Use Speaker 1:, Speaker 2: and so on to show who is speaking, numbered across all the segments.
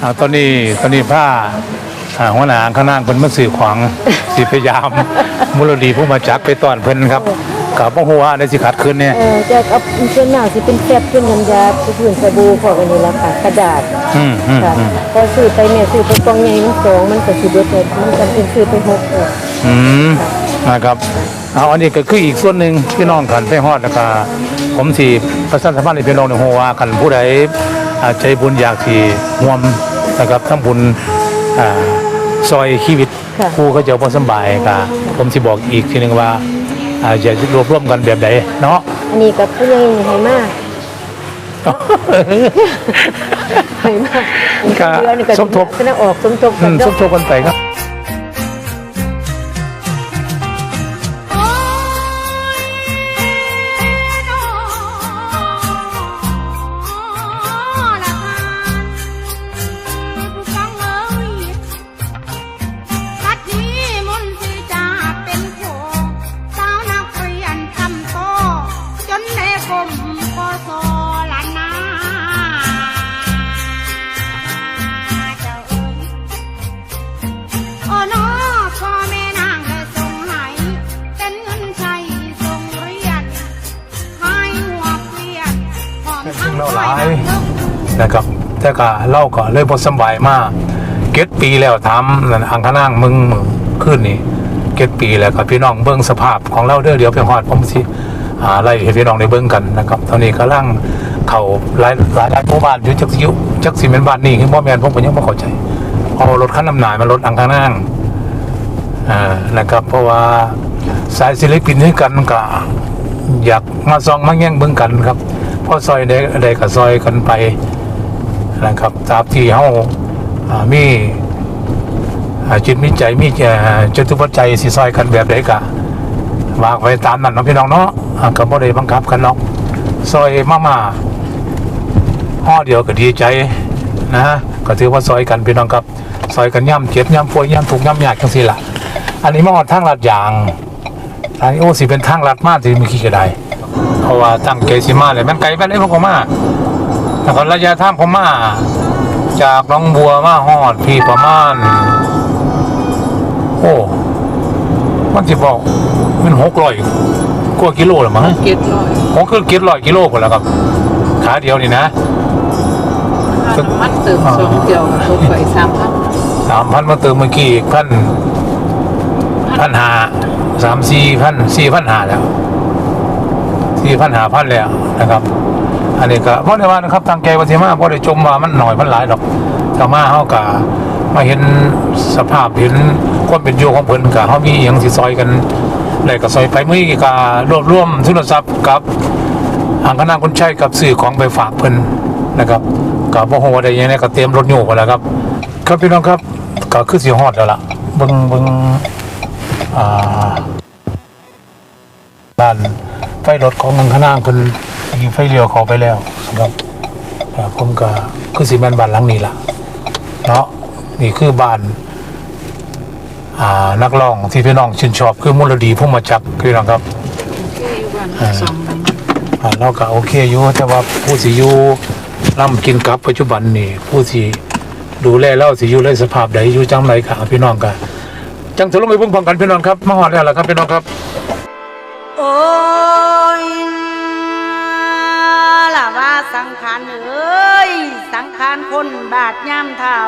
Speaker 1: ตอนนี้ผ้าหัวหน้าข้างล่างเป็นมาสื่อขวางสิพยายามมูลดีผู้มาจักไปต้อนเพิ่นครับกับพ่อหัวในสิขัดขึ้นเนี่ย
Speaker 2: จะเอาเส้นหน้าสิเป็นแฟบเป็นน้ำยาพื้นสบู่พวกอันนี้ละค่ะกระดาษค่ะพอซื้อไปเนี่ยซื้อไปกองใหญ่มัน2มันก็สิเบิดมันจำเป็นซื้อไป6
Speaker 1: นะครับอันนี้ก็คืออีกส่วนหนึ่งพี่น้องขันไปฮอดนะครับผมสิประชาสัมพันธ์ให้พี่น้องในหัวขันผู้ใดใจบุญอยากที่ร่วมนะครับทั้งบุญซอยชีวิตผู้ก็จะพอสบายค่ะผมสิบอกอีกทีนึงว่าจะรวบรวมกันแบบไหนเนาะ
Speaker 2: อันนี้กับผู้ใหญ่ให้มากให้มาก
Speaker 1: สมทบ
Speaker 2: ออกสมทบ
Speaker 1: กันไปครับนะครับแต่ก็เล่าก็เลยพอสบายมากเก็ดปีแล้วถามอังคณางมึงขึ้นนี่เก็ดปีแล้วครับพี่น้องเบิ้งสภาพของเราเดี๋ยวไปฮอดผมสิไล่ให้พี่น้องได้เบิ้งกันนะครับตอนนี้กำลังเขาหลายหมู่บ้านอยู่จักสิเป็นบ้านนี่คือบ่แม่นผมก็ยังบ่เข้าใจเอารถคันน้ำหน่ายมารถอังคณางนะครับเพราะว่าสายศิลปินด้วยกันก็อยากมาซองมาแย่งเบิ้งกันครับพอซอยได้ก็ซอยกันไปนะครับตามที่เฮามีจิตมีใจมีจตุปัจจัยสิซอยกันแบบใดก็วางไว้ตามนั้นเนาะพี่น้องเนาะก็บ่ได้บังคับกันเนาะซอยมาห่อเดียวก็ดีใจนะก็ถือว่าซอยกันพี่น้องครับซอยกันย่ำเจ็บย่ำป่วยย่ำทุกข์ย่ำยากจังซี่ล่ะอันนี้มาฮอดทางลาดยางอันนี้โอ้สิเป็นทางลาดมากที่มีขี้กระไดเพราะว่าตั้งเกสิมาเลยมันไกลไปเลยพวกผมมาแต่คนระยะทางผมมาจากหนองบัวมาฮอดพี่ประมาณโอ้มันจะบอกมัน600 กว่ากิโลหรือมั้งผมคือ700 กิโลคนแล้วครับขาเดียวนี่นะ
Speaker 3: มันเติม2เดียวรถไฟ3,000
Speaker 1: มาเติมเมื่อกี้อีก1,500 4,500แล้ว4,500แล้วนะครับอันนี้ก็เพราะในว่านะครับทางแกวสิมาเพราะได้จมว่ามันหน่อยมันหลายดอกถ้ามาเฮากะมาเห็นสภาพเห็นความเป็นอยู่ของเพิ่นกะเฮามีหยังสิซอยกันได้ก็ซอยไปมื้อนี้ก็รวบรวมทุนทรัพย์กับอังคณาคนใช้กับซื้อของไปฝากเพิ่นนะครับก็บ่ฮู้ว่าได้ยังไงก็เตรียมรถโยกไว้แล้วครับครับพี่น้องครับก็คือสิฮอดแล้วล่ะเบิ่งด้านไฟรถของอังคณาเพิ่นยิงไฟเลี้ยวเข้าไปแล้วครับผมก็คือสิแม่นบ้านหลังนี้ล่ะเนาะนี่คือบ้านนักร้องที่พี่น้องชื่นชอบคือมูลดีผู้มาจักพี่น้องครับเราก็โอเคอยู่แต่ว่าผู้สิอยู่ร่ำกินกับปัจจุบันนี่ผู้สิดูแลเล่าสิอยู่ในสภาพใดอยู่จังไรค่ะพี่น้องกันจังสรุปไปเบิ่งพร้อมกันพี่น้องครับมาฮอดแล้วล่ะครับพี่น้องครับ
Speaker 4: โอ้ยล่ะว่าสังขารเอ้ยสังขารคนบาดย่ำเท่า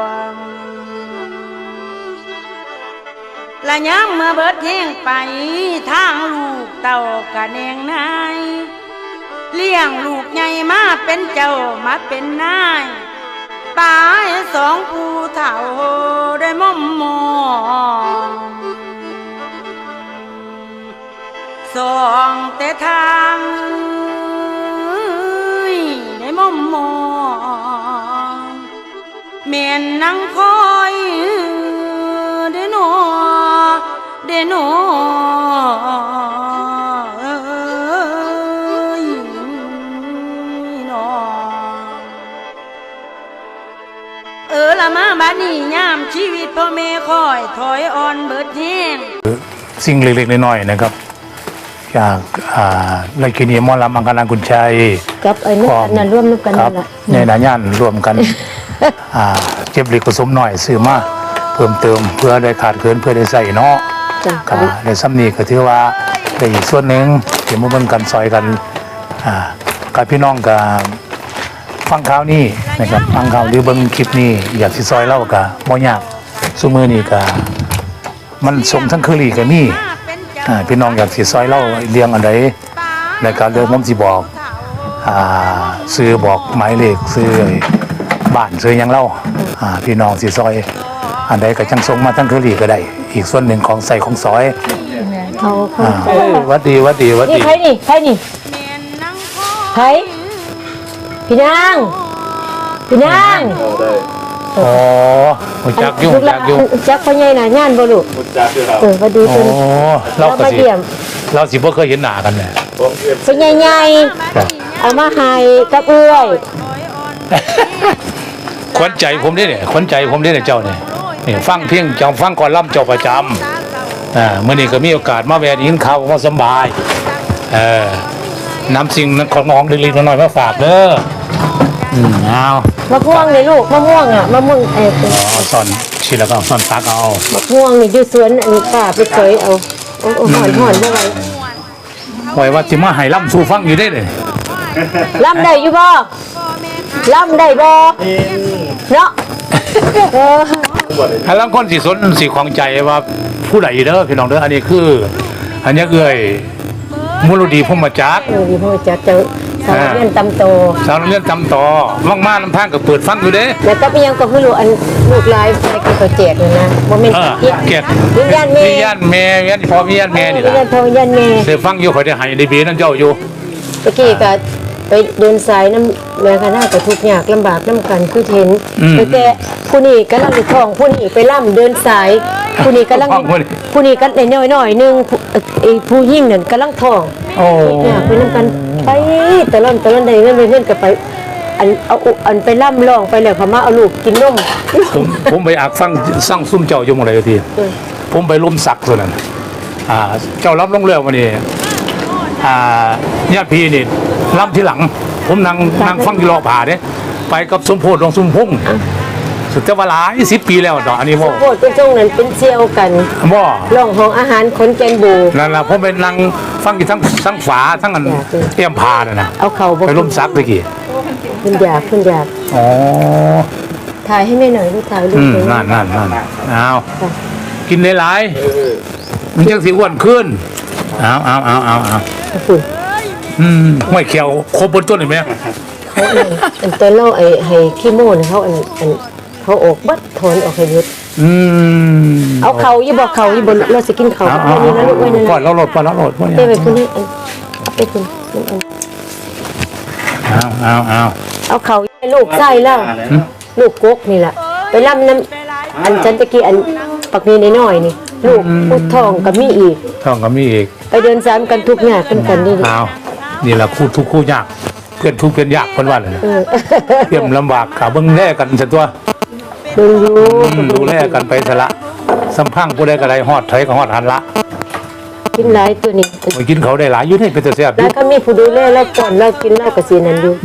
Speaker 4: ละย้ำเมื่อเบิดแห้งไปทางลูกเต่ากะแนงนายเลี้ยงลูกใหญ่มาเป็นเจ้ามาเป็นนายตาย2ผู้เฒ่าได้ม่อมมองส่องแต่ทางได้ม่อมมองเมียนนั่งคอยได้หนอละมาบัดนี้ยามชีวิตพ่อแม่คอยถอยอ่อนเบิดแห้ง
Speaker 1: สิ่งเล็กๆน้อยๆนะครับจากไรกินีมอลำอังคณากุญชัย
Speaker 2: กับไอ้นั่นร่วมกันนั่นแหละ
Speaker 1: ในนาย่านรวมกันเก็บเล็กผสมน้อยซื้อมาเพิ่มเติมเพื่อได้ขาดเกินเพื่อได้ใส่เนาะ
Speaker 2: จ้ะ
Speaker 1: ก็ในซ้ำนี้ก็ถือว่าได้อีกส่วนหนึ่งที่มาเบิ่งกันซอยกันกับพี่น้องกับฟังข่าวนี้นะครับฟังข่าวหรือเบิ่งคลิปนี้อยากสิซอยเล่าก็บ่ยากซุมื้อนี้ก็มันส่งทั้งเคอรี่ก็มีพี่น้องอยากสิซอยเล่าเรียงอันใดในการเดินผมสิบอกซื้อบอกหมายเลขซื้อบ้านซื้อหยังเล่าพี่น้องสิซอยอันใดก็จังส่งมาทั้งเคอรี่ก็ได้อีกส่วนหนึ่งของใส่ของซอย
Speaker 2: เอาเข้าใจ
Speaker 1: วัดดี
Speaker 2: นี่ใครนี่ใครพี่นาง
Speaker 1: อ๋อหุ่จักยุ่ง
Speaker 2: ลูกหลา
Speaker 1: จั
Speaker 2: น
Speaker 1: กยุ่ง
Speaker 2: จักพ่อใหญ่น่ะย่านบ่ลูกพอดี
Speaker 1: โอ้
Speaker 2: เพิ่น
Speaker 1: เรา
Speaker 2: เรา
Speaker 1: ก็
Speaker 2: มา
Speaker 1: สิ
Speaker 2: เยี่ยม
Speaker 1: เราสิบ่เคยเห็นหน้ากันเนี่ย
Speaker 2: พ่อใหญ่ๆเอามาให้กับเอื้อย
Speaker 1: ขวัญใจผมนี่เนี่ยขวัญใจผมนี่เนี่ยเจ้าเนี่ยนี่ฟังเพียงจองฟังก่อนล่ำเจ้าประจำมื้อนี้ก็มีโอกาสมาแวะยินข่าวว่าสำบายนำสิ่งของน้องเล็กๆน้อยๆมาฝากเด้อเอา
Speaker 2: มะม่วงเลยลูกมะม่วงอ่ะมะม่วง
Speaker 1: ซ่อนชิ้นแล้วก็ซ่อนตักเอา
Speaker 2: มะม่วงนี่อยู่สวนอันนี้ป้าไปเคยเอาโอ้หอนบ่ไหว
Speaker 1: ไว้ว่าสิมาให้ล่ำสู่ฟังอยู่ได้เลย
Speaker 2: ล่ำได้อยู่บ่ล่ำได้บ่เนาะ
Speaker 1: ถ้าลังคนสิของใจว่าผู้ใดเด้อพี่น้องเด้ออันนี้คืออันนี้เอ้ยมูลดีพมจักร
Speaker 2: ดีพ่อจักเจอสาวเรียนตำโต
Speaker 1: สาวเรียนตำต่อว่างๆน้ำทางก็เปิดฟังอยู่เด้
Speaker 2: แล้วก็เป็นยังก็คือลูกอันลูกลายในการตัวแจกนี่นะบ่แม่น
Speaker 1: เกียรติ
Speaker 2: วิญญาณแม่
Speaker 1: วิญญาณแม่วิญญาณพ่อวิญญาณแม่นี่
Speaker 2: วิญ
Speaker 1: ล่ะ
Speaker 2: ญาณพ่อวิญญาณแม่
Speaker 1: เสือฟังอยู่คอยได้ให้ได้เบียนั่นเจ้าอยู่
Speaker 2: ตะกี้ก็ไปเดินสายน้ำแม่คณะก็ทุกข์ยากลำบากน้ำกันคือเห็นแต่ผู้นี้กำลังท้องผู้นี้ไปล่ำเดินสายผู้นี้กำลังผู้นี้ก็ได้น้อยๆนึงไอ้ผู้ยิ่งนั่นกำลังท้อง
Speaker 1: โอ้
Speaker 2: อยากไปนำกันไปตะล่อนได้เงินก็ไปอันไปล่ำร้องไปแล้วพม่าเอาลูกกินนม
Speaker 1: ผมไปอักฟังสร้างซุ่มเจ้าอยู่หมดเลยทีผมไปล้มสักส่วนนั้นเจ้ารับลงเรือวันนี้ญาติพี่นี่รับที่หลัง ผมนั่งฟังที่รอผ่าเนี่ยไปกับสมโพธิของสมพงษ์สุดจะว่าหลาย10 ปีแล้วดอกอันนี้บ่
Speaker 2: โคตรเป็นช่วงนั้นเป็นเซียวกัน
Speaker 1: บ่
Speaker 2: ร้องห้องอาหารคนแกนบู
Speaker 1: นั่นล่ะผมไปนั่งฟังอยู่ทั้งฝาทั้งอันเตรียมพาน่ะนะ
Speaker 2: เอาเข่าบ่
Speaker 1: ไปล้มซักตะกี้
Speaker 2: คุณอยาก
Speaker 1: อ๋อ
Speaker 2: ถ่ายให้แม่หน่อยลูกถ่ายรูปเลย
Speaker 1: นั่นเอากินหลายๆมันจังสิอ้วนขึ้นเอา
Speaker 2: คุณ
Speaker 1: ห้วยเขียวครบบนต้นเห็นไหม
Speaker 2: เขาอันตอนเราให้ขี้โม่เนี่ยเขาเขาออกบัดถอนออกให้ยุดเอาเขาอย่าบอกเขาอย่าบอกเราสิกินเขา
Speaker 1: เอา
Speaker 2: ไว้นี่นะลูกไว้นั่น
Speaker 1: ก่อนเราโหลดพวก
Speaker 2: เต้
Speaker 1: นี้
Speaker 2: ไปคุณนี่เอาไปคุณเอาเขาให้ลูกไส้แล้วลูกกกนี่แหละไปล่ำน้ำอันจันตะกี้อันปักนี้น้อยนี่ลูกพุททองกับมีอีก
Speaker 1: ท้องก็มีอีก
Speaker 2: ไปเดินสามกันทุกหน้ากันนี่
Speaker 1: เอานี่แหละคู่ทุกคู่ยากเพื่อนทุกเพื่อนยากคนว่าเลยเตรียมลำบากขาเบิ้งแลกันซะตัว
Speaker 2: ดูอยู่
Speaker 1: ดูแลกันไปซะละสัมพังผู้ใดก็ได้ฮอดไทยก็ฮอดหันละ
Speaker 2: กินหลายตัวนี้
Speaker 1: ไปกินเขาได้หลายอยู่นี่เป็นตัวแซ่บอ
Speaker 2: แล้
Speaker 1: ยู่
Speaker 2: วก็มีผู้ดูแลแล้วก่อนแล้วกินแล้วก็สีนั้นอยู่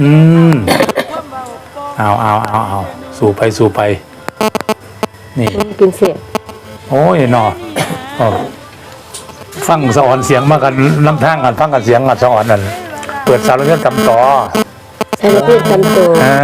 Speaker 1: เอาสู่ไปนี่
Speaker 2: กินเสีย
Speaker 1: โอ้ยหนอฟังสะอ่อนเสียงมากันลำทางกันฟังกันเสียงกันสะอ่อนนั่นเปิดสารเรื่องตำต่อ
Speaker 2: ใช้ระเบิดตำโต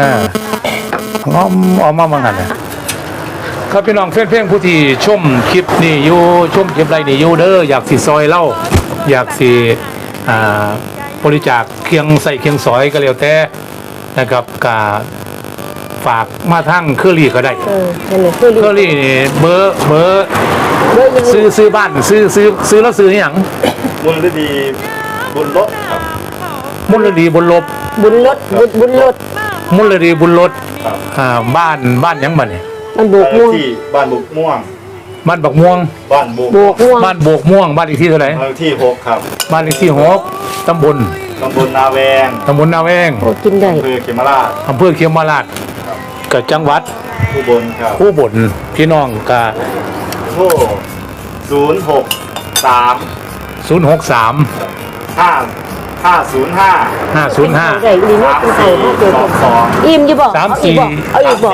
Speaker 1: ออกมาเหมือนกันครับพี่น้องเพื่อนผู้ที่ชมคลิปนี่อยู่ชมคลิปไรนี่อยู่เด้ออยากสิซอยเล่าอยากสิบริจาคเคียงใส่เคียงซอยก็แล้วแต่นะครับกาฝากมาทั้งเครือรี่ก็ได้
Speaker 2: นั่นแหละคือ
Speaker 1: เครือรี่นี่เบอร์ซื้อบ้านซื้อแล้วซื้ออย่าง
Speaker 5: มูลดีบุญรถครับ
Speaker 1: มูลดีบุญลบ
Speaker 2: บุญรถ
Speaker 1: มูลดีบุญรถบ้านยังบ้านเนี่ย
Speaker 2: มันโบกม่วง
Speaker 5: ที่บ้านบุกม่วง
Speaker 1: บ้านบักม่วง
Speaker 5: บ้านบุก
Speaker 2: โบกม่วง
Speaker 1: บ้านโบกม่วงบ้านเลขที่เท่าไหร่
Speaker 5: เลขที่6ครับ
Speaker 1: บ้านเลขที่6ตำบล
Speaker 5: ตำบลนาแวง
Speaker 1: นาแวง
Speaker 2: โอ้กินได้
Speaker 5: อำเภอเขมราช
Speaker 1: อำเภอเขียมราชกับจังหวัด
Speaker 5: อุบลครับ
Speaker 1: ผู้บนพี่น้องกับ
Speaker 5: โทร063
Speaker 1: 063
Speaker 5: 5
Speaker 1: 505
Speaker 2: ได้อีนี่กินข้าวมาเจอกันอิ่มอยู่บ่
Speaker 1: สาม
Speaker 2: เอา
Speaker 1: สี่
Speaker 2: อีกบ่เอาอีกบ่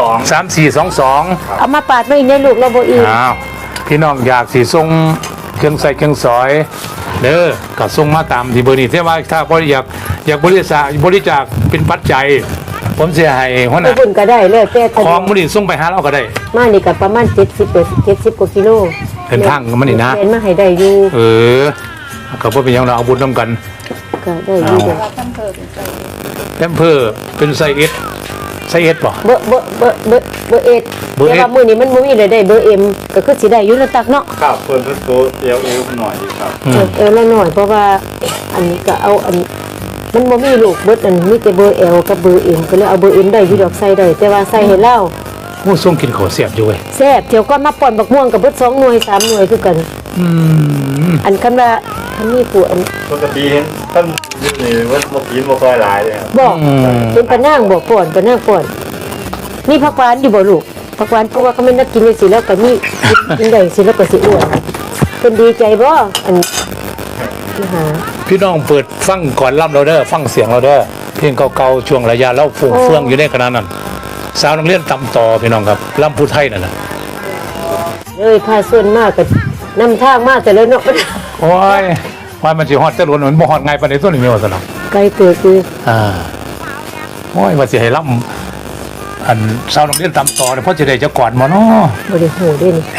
Speaker 1: 3422
Speaker 2: เอามาปาดมาอีกในลูกเราบ่อิ่ม
Speaker 1: อ้าวพี่น้องอยากสิส่งเครื่องใส่เครื่องสอยเด้อก็ส่งมาตามที่เบอร์นี้แต่ว่าถ้าบ่อยากบริจาคเป็นปัจจัยผมสิให้หัวห
Speaker 2: ไป
Speaker 1: น้า
Speaker 2: บุญก็ได้แล้วแต่
Speaker 1: ของมื้อนี้ส่งไปหาเราก็ได้
Speaker 2: มานี่ก็ประมาณ70กว่ากิโล
Speaker 1: เดินทางมันนี่นะ
Speaker 2: เดินมาให้ได้อยู่
Speaker 1: ก็บ่เป็นหยังเราเอาบุญนํกัน
Speaker 2: ก็ได้อยู่เด้อ
Speaker 1: แพมเพิร์เป็นไซเอสบ่
Speaker 2: เบอร์เอ็ด
Speaker 1: เบอร์เอ็ด
Speaker 2: แต่ว่ามื้อนี้มันบ่มีเลยได้เบอร์เอ็มก็คือสิได้อยู่แล้วตักเนาะ
Speaker 5: ครับเพิ่นเป็นตัวเอวหน่อยครับ
Speaker 2: ละหน่อยเพราะว่าอันนี้ก็เอาอันมันบ่มีลูกเบิดอันมีแต่เบอร์เอลกับเบอร์เอ็มก็เลยเอาเบอร์เอ็มได้อยู่ดอกใส่ได้แต่ว่าใส่ให้เล่า
Speaker 1: ผู้ส่งกินข้าวเสียบอยู่เว้ย
Speaker 2: แซ่บเที่ยวก็มาป่อนบักม่วงกับเบิด2หน่วย3หน่วยคือกัน อันคำว่าอันนี้ผู้อัน
Speaker 5: ปกติเห็นท่านอยู่นี่ว่าบ่กินบ่ค่อยหลายเลยครับ
Speaker 2: บอกเป็นปะนางบอกป่อนปะนางป่อนนี่ผักหวานอยู่บ่ลูกผักหวานเพราะว่าเขาไม่นักกินเลยสิแล้วก็มีกินได้สิแล้วก็สิอ้วนเพิ่นดีใจบ่อันนี่หา
Speaker 1: พี่น้องเปิดฟังก่อนล่ำเราเด้อฟังเสียงเราเด้อเพลงเก่าๆช่วงระยะเล่าฟุ้งเฟื่องอยู่ในขณะนั้นสาวนักเรียนตำต่อพี่น้องครับล่ำผู้ไทยนั่นน่ะ
Speaker 2: เลยพาส่วนมากก็นำทางมากแต่แล้วเนาะ
Speaker 1: โอ้ยว่ามันสิฮอดแต่ล้นมันบ่ฮอดง่ายปานใดตัวนี้แม่ว่าซั่นน่ะ
Speaker 2: ไกลเกิดคือ
Speaker 1: โอ้ยว่าสิให้ล่ำอันสาวนักเรียนตำต่อเนี่ยเพราะสิได้จะกอดบ่เนาะ
Speaker 2: บ่ได้โหเด้นี่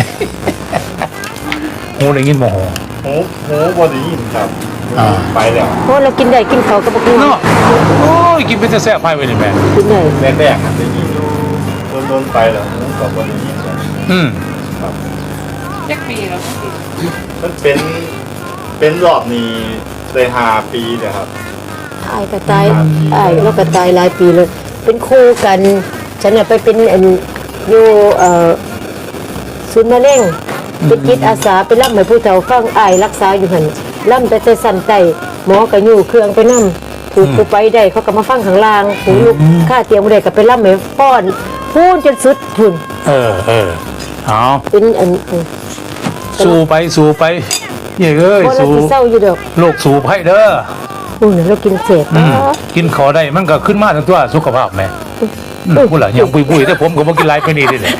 Speaker 1: โหได้ยินบ่โห
Speaker 5: หูบ่ได้ยินครับ ไปแล้ว
Speaker 2: เพราะเรากินได้กินเขาวก็บ่กิน
Speaker 1: เนาะโอ้ยกินเป็นแต่แซ่บไปเว้ยนี่แม่
Speaker 2: กินได้
Speaker 5: แรกๆได้ยินอยู่โดนๆไปแล้วหูก็บ่ได้ยินครับ ครับ
Speaker 3: จักปีแล้ว
Speaker 5: มันเป็นรอบนี้ได้5 ปีแล้วครับ
Speaker 2: อายก็ตายอายเราก็ตายหลายปีเลยเป็นคู่กันฉันน่ะไปเป็นอันอยู่ศูนย์มะเร็งเป็นจิตอาสาไปรับให้ผู้เฒ่าฟังอายรักษาอยู่หั่นล่ำแต่สั่นไตหมอก็อยู่เครื่องไปนำถูกผู้ไปได้เขาก็มาฟังข้างล่างผู้ลูกค่าเตียงบ่ได้ก็ไปรับให้ป้อนพูนจนสุดพุ่น
Speaker 1: เอา
Speaker 2: เป็นอัน
Speaker 1: สู้ไปเย้เอ้ย
Speaker 2: บ่เรา
Speaker 1: สู้
Speaker 2: สิเศร้าอยู่ดอก
Speaker 1: โลกสูบให้เด้อ
Speaker 2: อู้น่ะเรากินเสร็จ
Speaker 1: กินขอได้มันก็ขึ้นมาทั้งตัวสุขภาพแม่พูดหล่ะยังปุยๆแต่ผมก็บ่กินหลายไปนี่เด้อ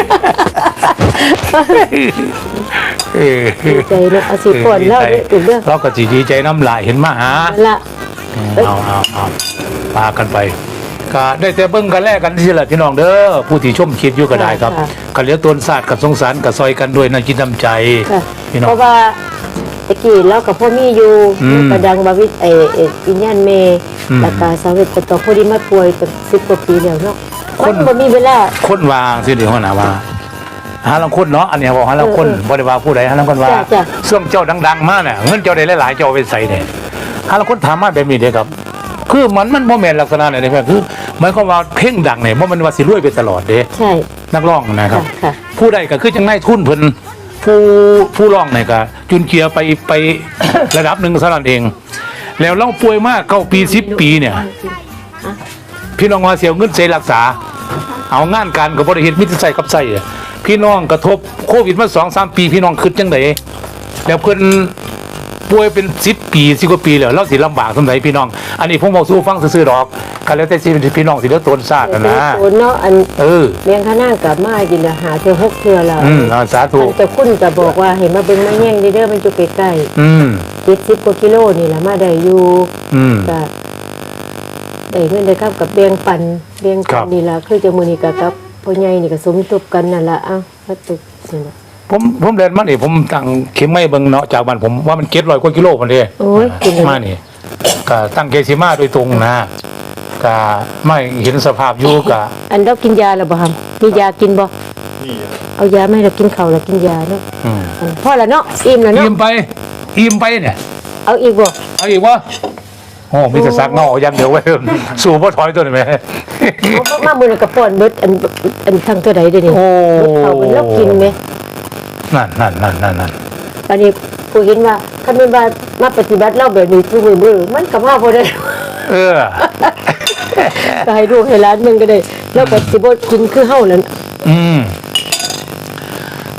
Speaker 2: ดีใจเนาะเอาสิป้อนเราได้ถูกเด้อ
Speaker 1: เราก็สิดีใจน้ำลายเห็นมาหา
Speaker 2: นั่นล่ะ
Speaker 1: เอาพากันไปก็ได้แต่เบิ่งกันแลกกันที่ละพี่น้องเด้อผู้ที่ชมคลิปอยู่ก็ได้ครับกันเหลือตนศาสตร์กับสงสารกับซอยกันด้วยน้ำจิตน้ำใจ
Speaker 2: ค่ะ
Speaker 1: พี่น้อ
Speaker 2: เพ
Speaker 1: ง
Speaker 2: ราะว่าตะกี้เรากับพ่อมีอยู่ กระดังบาวิวิญญาณเมแล้วก็สาวเวทต่อพอดีมาป่วยตั้ง10กว่าปีแล้วเนาะมันบ่มีเวลา
Speaker 1: คนวางสิเดี๋ยวนะว่าหาลังคนเนาะอันนี้บอกหาลังคนบ่ได้ว่าผู้ใดหาลังคนว่าช่วงเจ้าดังๆมาเนี่ยเงินเจ้าได้หลายๆเจ้าเอาไปใส่เนี่ยหาลังคนถามมาแบบนี้เด้ครับ คือมันบ่แม่นลักษณะไหนเนี่ยคือหมายความว่าเพลงดังเนี่ยบ่แมันว่าสิรวยไปตลอดเด้
Speaker 2: ใช่
Speaker 1: นักร้องนะครับ
Speaker 2: ค่ะ
Speaker 1: ผู้ใดก็คือจังได๋ทุนเพิ่นผู้ร้องเนี่ยก็จุนเกียร์ไป ระดับหนึ่งเท่านั้นเอง แล้วเราป่วยมาก9 ปี10 ปีเนี่ย พี่น้องว่าเสียเงินเสียรักษา เอางานการกับบริเหตุมิตรใส่กับใส่พี่น้องกระทบโควิดมา2-3 ปีพี่น้องขึ้นจังไดแล้วเพิ่นป่วยเป็น10 ปี10 กว่าปีแล้วเราสิลำบากสำใดพี่น้อง อันนี้ผมบอกสู้ฟังซื่อๆดอกกันแล้วแต่สิเป็นพี่น้องสิเลือดตนชาตินะ
Speaker 2: โอนเนาะอัน
Speaker 1: เ
Speaker 2: ลี้ยงข้านั่งกับมากินหาเธอ6เทื่อแล้ว
Speaker 1: สาธุ
Speaker 2: แต่คุณก็บอกว่าให้มาเบิ่งมาแย่งเด้อมันอยู่ใกล้ๆ70กว่ากิโลนี่ล่ะมาได้อยู่ก็ได้เงินได้ครับกับแบ่งปันนี่ล่ะคือจังมื้อนี้ก็กับพ่อใหญ่นี่ก็สมทบกันนั่นล่ะเอ้ามาตึกสินะ
Speaker 1: ผมเรียนมานี่ผมตั้งเข็มไม่เบิ่งเนาะจากบ้านผมว่ามัน700 กว่ากิโลพุ่นเด้
Speaker 2: โอ้ยกินเลย
Speaker 1: มานี่ก็ตั้งเกสิมาโดยตรงนะก็ไม่เห็นสภาพอยู่ก็
Speaker 2: อันเรากินยาแล้วบ่ครับมียากินบ่
Speaker 5: นี่
Speaker 2: เอายามาให้เรากินข้าวแล้วกินยาเนาะ อันพอแล้วเนาะอิ่มแล้วเนาะ
Speaker 1: อิ่มไปเนี่ย
Speaker 2: เอาอีกบ่
Speaker 1: เอาอีกวะโอ้มีแต่ซักเงาอย่างเดียวไว้สู่บ่ถอยตัวนี่แม่
Speaker 2: เอามามื้อนั้นก็ป้อนเบิดอันทั้งตัวใดเด้อนี่
Speaker 1: โอ้
Speaker 2: เบิดข้าวมันเรากินแหม
Speaker 1: นั่น
Speaker 2: อันนี้ผู้เห็นว่าคันแม่นว่ามาปฏิบัติเราแบบนี้ทุกมื้อมันก็มาบ่ได้
Speaker 1: เออ
Speaker 2: ก็ให้ลูกให้หลานมึงก็ได้แล้วก็สิบ่กินคือเฮานั่น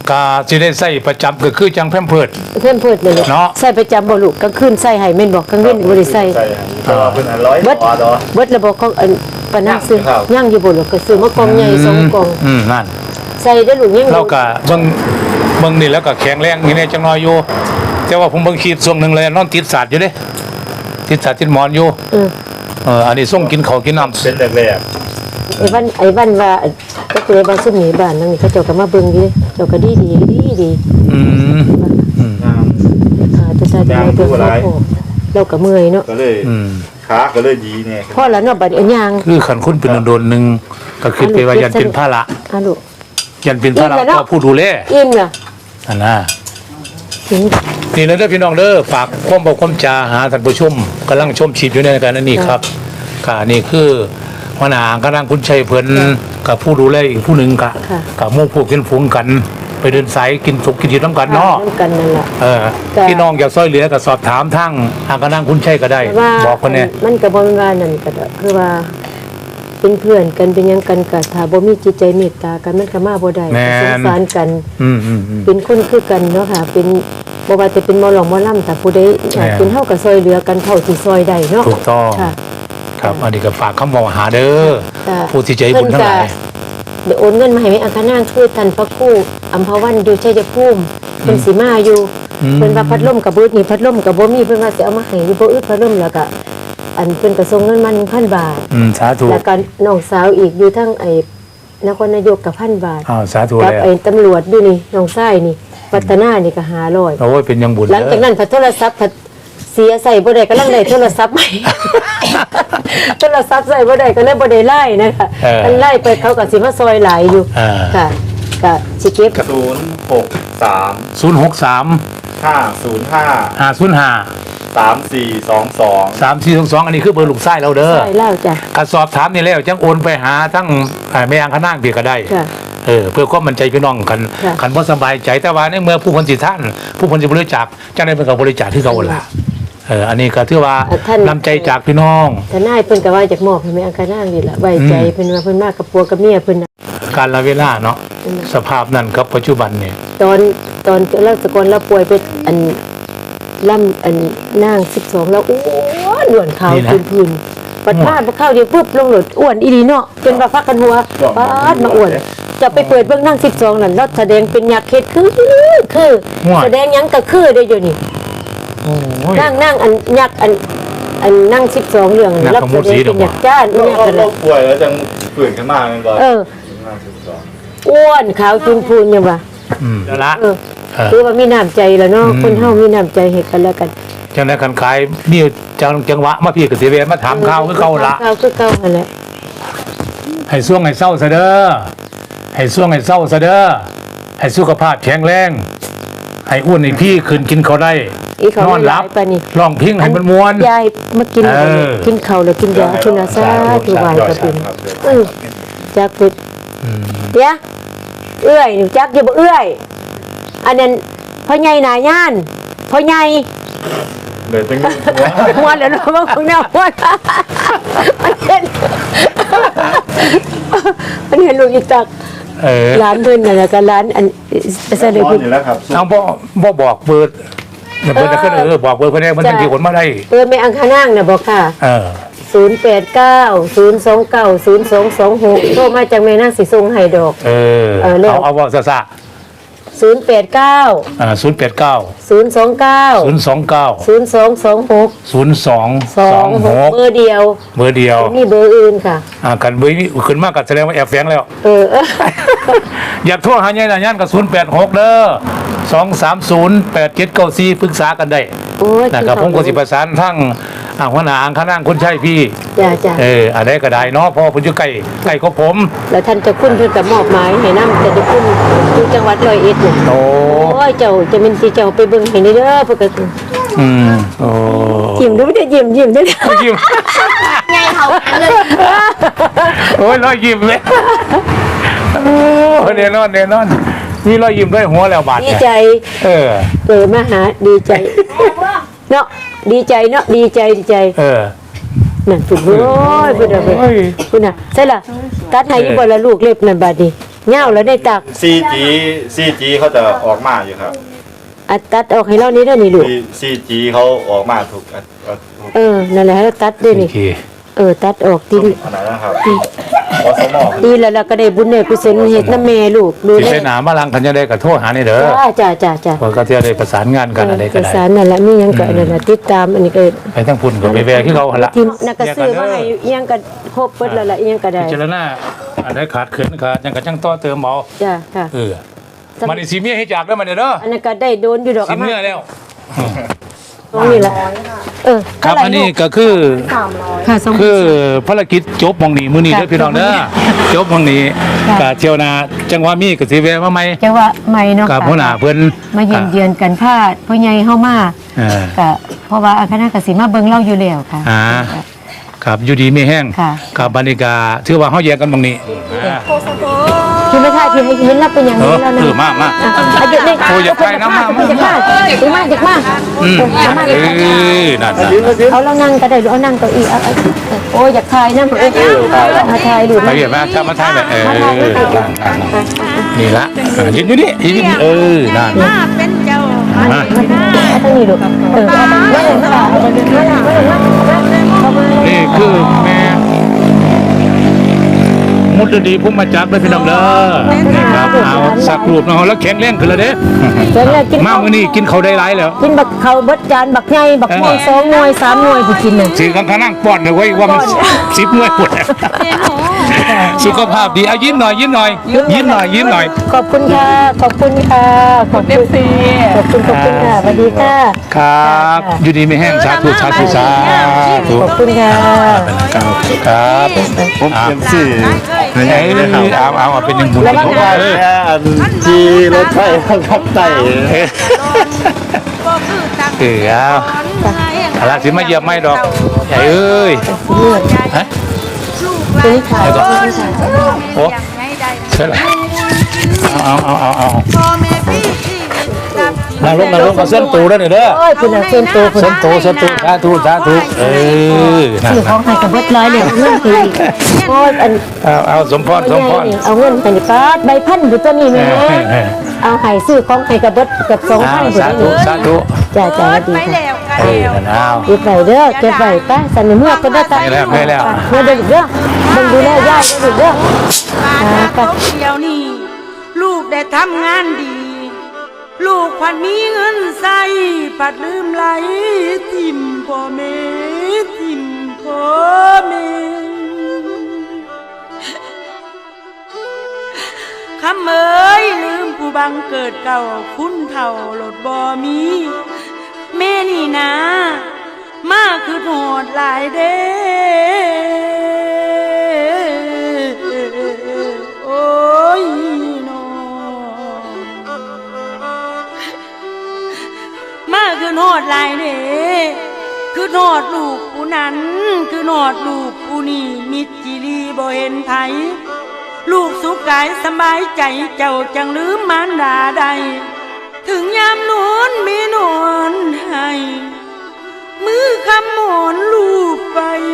Speaker 1: กาสิได้ใส่ประจำก็คือจังแพมเพิร์ด
Speaker 2: เพิ่นเพิดเลยลูก
Speaker 1: เนาะ
Speaker 2: ใส่ประจำบ่ลูกกลางคืนใส่ให้แม่นบ่กลางเว้นบ่ได้ใส่
Speaker 5: ใส่แต่ว่าเป็นอันร้อย
Speaker 2: เบิด
Speaker 5: ต่อดอ
Speaker 2: เบิดระบบของอันปานนักซื้อ
Speaker 5: ครับ
Speaker 2: ย่างอยู่บ่ลูกก็ซื้อมากล่องใหญ่สองกล่อง
Speaker 1: นั่น
Speaker 2: ใส่ได้ลูกยัง
Speaker 1: เราก็เบิ่งนี่แล้วก็แข็งแรงนี่เนี่ยจังน้อยอยู่แต่ว่าผมเบิ่งขีดช่วงหนึงเลยนอนติดสาดอยู่เด้ติดสาดติดหมอนอยู่ อันนี้ส่งกินข้าวกินน้ำ
Speaker 5: เป็นแรก
Speaker 2: ไอ้วันว่าก็คือบ้านซุ่มหนีบ้านนั่นนี่เขาเจ้าก็มาเบิ่งอยู่เจ้าก็ดี
Speaker 1: อืม
Speaker 5: ๆงาม
Speaker 2: จะใส่ได้เบิ่งเราก็เมื่อยเนาะ
Speaker 5: ก็เลยขาก็เลยดีเนี่ย
Speaker 2: พอแล้วเนาะบัดอันยาง
Speaker 1: คือขันคุณเป็นโดนหนึ่งก็คือไปว่ายันเป็นภาระ
Speaker 2: ลูก
Speaker 1: ยันเป็นภาระก็ผู้ดูแล
Speaker 2: อิ่มล่ะ
Speaker 1: อันน่ะ
Speaker 2: ถึง
Speaker 1: นี่นะเด้อพี่น้องเด้อฝากความบอกความจาหาท่านผู้ชมกำลังชมชีพอยู่ในการนั้นนี่ครับก็นี่คือหัวหน้ากำลังคุณชัยเพิ่นกับผู้ดูแลอีกผู้หนึ่งกับหมู่พวกเป็นฝูงกัน ไปเดินสายกินสุกกินดื่มน้ำกันเนาะ
Speaker 2: น้ำกันนั่นล่ะ
Speaker 1: พี่น้องอยากซอยเหลือก็สอบถามทั้งหากำลังคุณชัยก็ได้
Speaker 2: ว่า
Speaker 1: บอกคนเนี่ย
Speaker 2: มันก็บ่แม่นว่านั่นก็ได้คือว่าเป็นเพื่อนกันเป็นหยังกันก็ถ้าบ่มีจิตใจเมตตากันมันก็มาบ่ได้สงสารกัน เป็นคนคือกันเนาะค่ะ เป็นบ่ว่าจะเป็นหมอหลองหมอลำแต่ผู้ใดอยากเป็นเฮาก็ซอยเหลือกันเท่าที่ซอยได้เนาะ
Speaker 1: ถูกต้อง
Speaker 2: ค่ะ
Speaker 1: ครับอันนี้ก็ฝากคำบอกหาเด้อ
Speaker 2: ค่ะ
Speaker 1: ผู้ที่ใจบุญทั้งหลาย
Speaker 2: เดี๋ยวโอนเงินมาให้แม่อังคณางคือท่านพระครูอำภาวันอยู่ชัยภูมิเพิ่นสิมาอยู่เพิ่นว่าพัดลมกับบ่นี่พัดลมกับบ่มีเพิ่นว่าสิเอามาให้อยู่บ่อึดพัดลมแล้วก็อันเพิ่นก็ส่งเงินมา 1,000 บาท
Speaker 1: สาธุ
Speaker 2: แล้วก็น้องสาวอีกอยู่ทั้งไอ้นครนายกกับ1,000 บาท
Speaker 1: สาธุ
Speaker 2: กับ
Speaker 1: แล้ว
Speaker 2: ไอ้ตำรวจอยู่นี่น้องชายนี่วัฒนานี่ก็500
Speaker 1: โอ้ยเป็นยังบุญ
Speaker 2: หลังจากนั้นพอโทรศัพท์พอเสียใส่บ่ได้ก็ลังได้โทรศัพท์ใหม่ โทรศัพท์ใส่บ่ได้ก็เลยบ่ได้ไล่นะคะอันไล่ไปเขาก็สิมาซอยหลายอยู่ค่ะก็สิเก็บ
Speaker 5: 063
Speaker 1: 063
Speaker 5: 505
Speaker 1: 505
Speaker 5: 3422
Speaker 1: 3422อันนี้คือเบอร์ลูกไส้เราเด้อ
Speaker 2: ซอยเล่าจ้ะ
Speaker 1: ก็สอบถามนี่แล้วจังโอนไปหาทั้งแม่ยางข้างนางเปียก็ได้
Speaker 2: ค่ะ
Speaker 1: เพื่อความมั่นใจพี่น้องกัน
Speaker 2: ค่ะ
Speaker 1: คันบ่สบายใจแต่ว่าในเมื่อผู้คนสิท่านผู้คนสิบริจาคจังได้เป็นกับบริจาคที่เขาล่ะอันนี้ก็ถือว่าน้ำใจจากพี่น้อง
Speaker 2: ทนายเพิ่นก็ว่าอยากมอบให้แม่อังคณางนี่ล่ะไว้ใจเพิ่นว่าเพิ่นมากับผัวกับเมียเพิ่นน่ะ
Speaker 1: การละเวลาเนาะสภาพนั้นกับปัจจุบันเนี่ย
Speaker 2: ตอนเราสกลเราป่วยไปอันล่ำอันนาง12แล้วอ้วนหนวดขาวพื้นๆปัดมาบ่เข้าเดียวปุ๊บลงหลดอ้วนอีหลีเนาะจนว่าพักกันหัวปาดมาอ้วนจะไปเปิดเบิ่งนาง12นั่นแล้วแสดงเป็นยักษ์เฮ็ดคือแสดงหยังก็คือได้อยู่นี่
Speaker 1: โอ้ย
Speaker 2: นั่งอันยักษ์อันนั่ง12เรื่อง
Speaker 1: ยักษ์
Speaker 2: รับ
Speaker 1: ข
Speaker 2: แส
Speaker 1: มุด
Speaker 2: ด
Speaker 1: สี
Speaker 2: ง
Speaker 1: ด
Speaker 2: เป็
Speaker 1: อก
Speaker 2: น
Speaker 1: บัว
Speaker 2: ยักษ์จ้านยักษ์กัน
Speaker 5: เรา
Speaker 2: น่ะ
Speaker 5: ป่วยแล้วจังฝืนขึ้นมากันก่อน
Speaker 2: อ้วนขาวจุนพูนยังว่า
Speaker 1: แล้วละ
Speaker 2: คือว่ามีน้ำใจแล้วเนาะคนเฮามีน้ำใจให้กันแล้วกัน
Speaker 1: จังได้กันขายนี่จังหวะมาพี่กับเสียเวรมาถามข่าวคือเขาละ
Speaker 2: ข่าวคือเก่าหั่นแหละ
Speaker 1: ให้ช่วงให้เศร้าซะเด้อให้ช่วงให้เศร้าซะเด้อให้สุขภาพแข็งแรงให้อ้วนให้พี่คืนกินเขาได้
Speaker 2: อีเขา
Speaker 1: นอนหลับ
Speaker 2: ปานนี้
Speaker 1: ร้องเพลงให้มันม่วน
Speaker 2: ยายมากิน กินข้าวแล้วกินยาคุณอาซาทุกวันก็เป็นจักพุดเดี๋ยวเอื้อยนี่จักอยู่บ่เอื้อยอันนั้นพ่อใหญ่หน้าย่านพ่อใหญ่
Speaker 5: เลยตั้ง
Speaker 2: ม่วนแล้วเนาะบางคนเนี่ยม่วนมันเห็นลูกอีตักร้านเพิ่นน่ะแล้วก็ร้านอันเสด็จ
Speaker 5: ร้อนอยู่แล้วครับ
Speaker 1: เอาบ่บอกเบิดเบิดก็บอกเบิดเพิ่นได้มันจังสิคนมาได้
Speaker 2: แม่อังคณางน่ะบ่ค่ะ 089 029 0226โทรมาจากแม่นางสิส่งให้ดอก
Speaker 1: เอาว่าซะ
Speaker 2: 089
Speaker 1: 089
Speaker 2: 029
Speaker 1: 029
Speaker 2: 0226
Speaker 1: 0226
Speaker 2: เบอร์เดียว
Speaker 1: เบอร์เดียว
Speaker 2: มีเบอร์อื่นค่ะ
Speaker 1: กันเบอร์นี้ขึ้นมากก็แสดงว่าแอบแฝงแล้ว อยากโทรหาใหญ่หน้าย่านก็086เด้อ2308794ปรึกษากันได้
Speaker 2: โอ้ย
Speaker 1: นะครับผมก็สิประสานทั้งหัวหน้าอังคณางคนใช้พี่
Speaker 2: จ้า
Speaker 1: อันใดก็ได้เนาะเพอผมอยู่ใกล้ของผม
Speaker 2: แล้วท่านจะคุณเพิ่นก็มอบหมายให้นำแต่จะคุณอยู่จังหวัดร้อยเอ็ดน่ะ
Speaker 1: โอ้
Speaker 2: โอ้ยเจ้าจะเป็นสิเจ้าไปเบิ่งให้นี่เด้อเพิ่นก็
Speaker 1: โอ้
Speaker 2: ยิ้มดูไม่ได้ยิ้มเด้อ
Speaker 1: ยิ้ม
Speaker 4: ไงเขาเลย
Speaker 1: โอ้ยรอยยิ้มเลยโอ้แน่นอนมีรอยยิ้มด้วยหัวแล้วบาด
Speaker 2: ดี
Speaker 1: เนี่ย
Speaker 2: ใจ
Speaker 1: เออ
Speaker 2: มาหาดีใจเนาะดีใจเนาะดีใจ นั่นพุ่นโอ้ยพุ่นน่ะพุ่นน่ะใช่ล่ะตัดให้อยู่บ่ละลูกเล็บนั่นบาดนี้เหย้าแล้วได้ตัก
Speaker 5: 4G เขาจะออกมาอยู่ครับ
Speaker 2: อัดตัดออกให้เรานี่เด้อนี่ลูก
Speaker 5: 4G เขาออกมาถูก
Speaker 2: นั่นแหละให้เราตัดด้วย
Speaker 1: โอ
Speaker 2: นี่
Speaker 1: เค
Speaker 2: ตัดออกดี
Speaker 5: อันนั้นนะครับอสม
Speaker 2: ดีแล้วเราก็ได้บุญเนี่ยกุศลเฮ็ดน้ำแม่ลูกดู
Speaker 1: สิ
Speaker 2: แล
Speaker 1: ไปหนามาลังกันจะได้กับโทษหานี่เด้อ
Speaker 2: จ้า
Speaker 1: เพราะก็จะได้ประสานงานกันอะไรก็
Speaker 2: เอก
Speaker 1: ได้
Speaker 2: สารนั่นแหละมีหยังก็นั่นน่ะติดตามอันนี้ก็
Speaker 1: ไปทั้งพุ่นกับไปแวะที่เขาหั่นละ
Speaker 2: ทีมนักก็ซื้อมาให้อิหยังก็ครบเบิดแล้วล่ะอิหยังก็ได้
Speaker 1: พิจารณาอันใดขาดเขินขาดยังก็จังต่อเติมเอา
Speaker 2: จ้าค่ะ
Speaker 1: มันนี่สิเมียให้จากแล้วมันเด้อ
Speaker 2: อันนั้นก็ได้โดนอยู่ดอก
Speaker 1: สิเมียแล้ว
Speaker 2: ตรงนี้ล่ะ
Speaker 1: ครับอันนี้ก็คือ
Speaker 2: ค่ะสอง
Speaker 1: คือภารกิจจบหมองนี้มื้อนี้เด้อพี่น้องเด้อจบหมองนี้ก็เที่ยวหนาจังหวะมีก็สิแวะมาใหม่
Speaker 2: จังว่าใหม่เนาะ
Speaker 1: กับหัวหน้าเพิ่น
Speaker 2: มาเยือนกันพาดพ่อใหญ่เฮามา
Speaker 1: เออ
Speaker 2: ก็เพราะว่าคณะกสิมาเบิ่งเราอยู่แล้วค่ะ
Speaker 1: ครับอยู่ดีมีแห้ง
Speaker 2: ค่ะ
Speaker 1: กับบรรยากาศถือว่าเฮาแยกกันหมองนี้
Speaker 2: ที่ไม่ใช่ที่ให้เห็นเราเป็นอย่างนี้แล้วนะ
Speaker 1: มา
Speaker 2: อายุนี่
Speaker 1: โอ้อยากไปน้ำมา
Speaker 2: อยากมาอยากมา
Speaker 1: นั่น
Speaker 2: เอาเรานั่งก็ได้หรือเอานั่งเก้าอี้โอ้ยอยากถ่ายนะมาถ่ายดู
Speaker 1: ไปเห็นไหมถ้ามาถ่ายแบบนี่ละยืนอยู่นี่ยืนนั่น
Speaker 4: มาเป็นเจ้ามาเป็นนาย
Speaker 2: ต้องมีดู
Speaker 1: นี่คือแม่มุดดีพุ่มมาจากเลยพี่น้องเด้อนี่ครับเอาสักรูปน้องแล้วแข็งแรงขึ้นแล้วเด้มามื้อนี้กินเขาได้หลายแล้ว
Speaker 2: กินบักเขาเบิดจานบักใหญ่บักม่วง2หน่วย3หน่วยผู้กินน่ะ
Speaker 1: สิข้างนั่งป้อนเลยไว้ว่ามัน10หน่วยปวดสุขภาพดีเอายิ้มหน่อยยิ้มหน่อยยิ้มหน่อยยิ้มหน่อย
Speaker 2: ขอบคุณค่ะขอบคุณค่ะขอบคุณขอบคุณค่ะสวัสดีค่ะ
Speaker 1: ครับอยู่ดีไม่แห้งสาธุสาธุสาธุ
Speaker 2: ขอบคุณค่ะ
Speaker 1: ครับ
Speaker 5: ผมเตรียมซื้อ
Speaker 1: ไอ้เอาเป็นยังบุญ
Speaker 5: ผมว่าแค่ที่รถไฟครับไต่
Speaker 4: ก็คือตั้ง
Speaker 1: เอาละสิมาเยี่ยมไม่ดอกใหญ่เอ้ยฮะ
Speaker 4: ลูกหลานคนโอ้ยังไงได้
Speaker 1: ใช่ละเอา
Speaker 4: พ่อแม่พี่ชีวิตรับ
Speaker 1: นั่งลงกับเส้นตูด้วยนี่เด้อ
Speaker 2: โอ้ยคุณเส้นโตคุณ
Speaker 1: เส้นตูสาธุนั่น
Speaker 2: ซื้อของให้กับเบิดร้อยเลยเงินคือโอ้ยอัน
Speaker 1: เอาสมพร
Speaker 2: เอาเงินไปนี่ป้าใบพันอยู่ตัวนี้แม่เอาให้ซื้อของให้กับเบิดกับ2,000
Speaker 1: สาธุ
Speaker 2: จ้าดี
Speaker 4: ไป
Speaker 2: ค่ะ
Speaker 4: แล้วกันแล้ว
Speaker 1: เอา
Speaker 2: เก็บไว้เด้อเก็บไว้ป้าสันเมื่อก็ได้ตาย
Speaker 1: ไม่แล้ว
Speaker 2: เมื่อเด็กเด้อมันดูแลย่าเด็กเด้อ
Speaker 4: มาเขาเดียวนี่ลูกได้ทำงานดี ลูกพันมีเงินใส่ปัดลืมไหลทิมพ่อแม่ทิมพ่อแม่คำเอ้ยลืมผู้บังเกิดเก่าคุณเท่าหลดบ่มีแม่นี่นะมาคือโหดหลายเด้โอ้ยน้องมาคือโหดหลายเด้คือโหดลูกผู้นั้นคือโหดลูกผู้นี่มิตรจิรีบ่เห็นไผลูกสุขกายสบายใจเจ้าจังลืมมารดาใดถึงยามนอนมีนอนให้มือคำหมอนลูกไป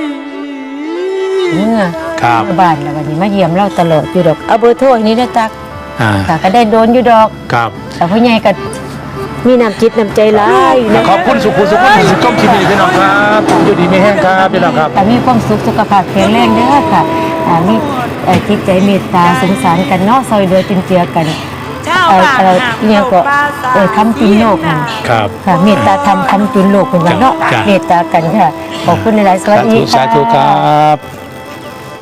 Speaker 1: ครับ
Speaker 2: บ้านแล้ววันนี้มาเยี่ยมเราตลอดอยู่ดอกเอาเบอร์โทรนี้นะตักก็ได้โดนอยู่ดอก
Speaker 1: ครับ
Speaker 2: แต่พ่อใหญ่ก็มีน้ำจิตน้ำใจร้ายนะ
Speaker 1: ขอบคุณสุขุมก้มคิดดีพี่น้องครับอยู่ดีไม่แห้งครับพี่น้องครับ
Speaker 2: แต่มีความสุขสุขภาพแข็งแรงเด้อค่ะมีจิตใจเมตตาสงสารกันเนาะซอยเดือจุนเจือกันเนี่ยก็ทำจุนโลก
Speaker 1: ครับ
Speaker 2: ค่ะเมตตาทำจุนโลกเป็นวันเนาะเมตตากันค่ะขอบคุณในหลายสวัสดีค่ะ
Speaker 1: สาธุครับ